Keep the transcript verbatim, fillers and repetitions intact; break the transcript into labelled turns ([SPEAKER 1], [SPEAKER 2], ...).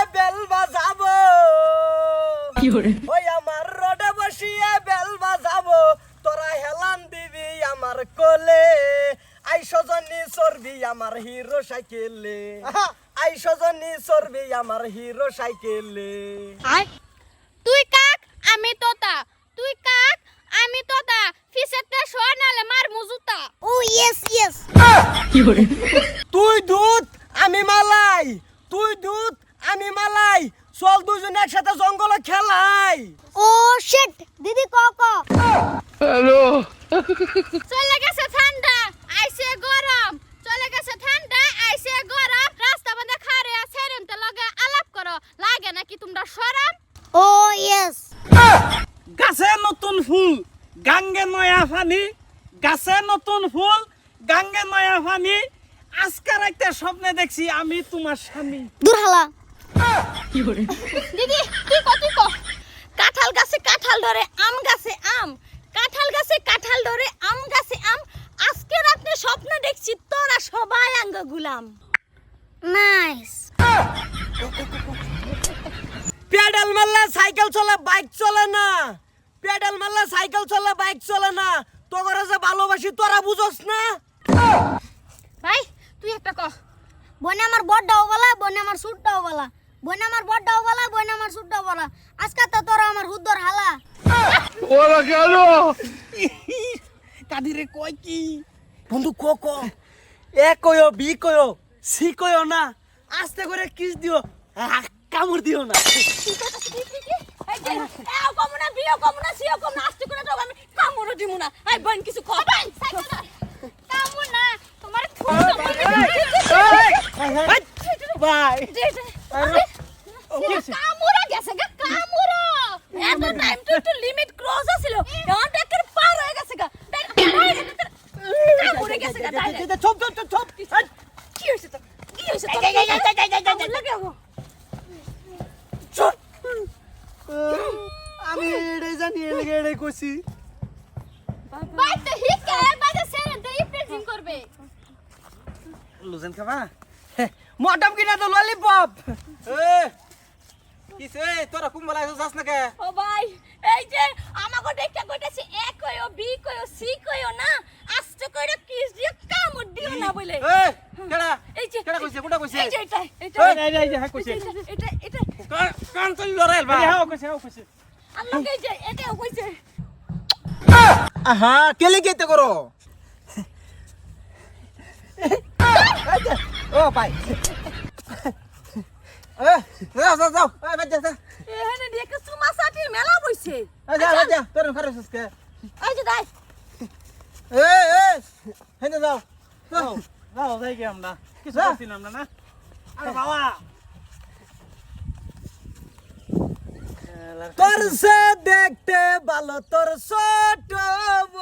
[SPEAKER 1] bell বাজাবো ওই আমার রোডে বসিয়ে বেল বাজাবো তোরা হেলান দিবি আমার কোলে আই সজনী চর্বি আমার হিরো সাইকেলে আই সজনী চর্বি আমার হিরো সাইকেলে
[SPEAKER 2] তুই কাক আমি তোতা তুই কাক আমি তোতা ফিসেতে সোনালে মার মুজুতা ও ইয়েস ইয়েস
[SPEAKER 1] তুই দুধ আমি মালাই তুই দুধ আমি মালাই চল দুজন একসাথে জঙ্গলে খেলাই
[SPEAKER 2] ও শিট দিদি ক ক
[SPEAKER 3] হ্যালো
[SPEAKER 2] চলে গেছে ঠান্ডা আইছে গরম চলে গেছে ঠান্ডা আইছে গরম রাস্তা বন্ধে খারে আছে রেনতে লগে আলাপ করো লাগে নাকি তোমরা শরম ও ইয়েস
[SPEAKER 4] গাছে নতুন ফুল গাঙ্গে নয়া পানি গাছে নতুন ফুল গাঙ্গে নয়া পানি আজকার একটা স্বপ্নে দেখছি আমি তোমার স্বামী
[SPEAKER 2] দূর হালা দিদি তুই কত তুই ক কাঁঠাল গাছে কাঁঠাল ধরে আম গাছে আম কাঁঠাল গাছে কাঁঠাল ধরে আম গাছে আম আজকে রাতে স্বপ্ন দেখছি তোরা সবাই আঙ্গ গুলাম নাইস
[SPEAKER 1] পেডাল মারলে সাইকেল চলে বাইক চলে না পেডাল মারলে সাইকেল চলে বাইক চলে না তোরা যে ভালোবাসি তোরা বুঝোস না
[SPEAKER 2] ভাই তুই একটা ক বনে আমার বড়টাও বলা বনে আমার সুটটাও বলা বনে আমার বড়টাও বলা বনে আমার সুটটাও বলা আজকে তো তোরা আমার হুদ্দর হালা
[SPEAKER 3] ওরা কেন
[SPEAKER 4] কাদিরে কয় কি
[SPEAKER 1] বন্ধু ক ক এ কয়ো বি কয়ো সি কয়ো না আস্তে করে কিস দিও আহ, কামড় দিও না
[SPEAKER 2] এই যে এও কমনা বিও কমনা সিও কমনা আস্তে করে দাও আমি কামড় দিমু না আই বোন কিছু ক বোন সাইকেল কামড় না তোমার খুব
[SPEAKER 1] বাই
[SPEAKER 2] কামড় গেছে গা কামড় এত টাইম তো একটু লিমিট ক্রস আছিল এখন টাকার পার হয়ে গেছে গা কামড় গেছে গা
[SPEAKER 1] চপ চপ চপ চপ
[SPEAKER 2] কি হইছে তো কি হইছে তো লাগে
[SPEAKER 1] চপ আমি এড়ে জানি এড়ে এড়ে কইছি
[SPEAKER 2] ভাই তো হিকে বাজে সেরে দেই প্রেজিং করবে
[SPEAKER 4] লুজেন খাবা
[SPEAKER 1] মটম কিনা তো ললিপপ
[SPEAKER 4] এ কিছে তোরা কুম্বলা যাস না কে
[SPEAKER 2] ও ভাই এই যে আমাকে দেখতে কইতাছি এ কইও বি কইও সি কইও না আস্তে কইরা কিস দিয়ে কামড় দিও না বলে
[SPEAKER 4] এ কেডা
[SPEAKER 2] এই যে
[SPEAKER 4] কেডা কইছে কোনটা কইছে
[SPEAKER 2] এই যে এটা এটা
[SPEAKER 4] এই এই এই হ্যাঁ কইছে
[SPEAKER 2] এটা এটা
[SPEAKER 4] কান চল লরাইল ভাই হ্যাঁ কইছে হ্যাঁ কইছে
[SPEAKER 2] আল্লাহ এই যে এটাও কইছে
[SPEAKER 1] আহা কেলে কেতে করো ও ভাই এ যাও যাও যাও এ বাজা যা
[SPEAKER 2] এখানে দেখে সুমা সাটির মেলা বইছে
[SPEAKER 1] এ যা বাজা তোর খারাপ কে
[SPEAKER 2] এই যে দাই
[SPEAKER 1] এ এ হেনে যাও
[SPEAKER 4] যাও যাও যাই কি আমরা কিছু করছিলাম না না আরে বাবা
[SPEAKER 1] তোর সে দেখতে ভালো তোর ছোট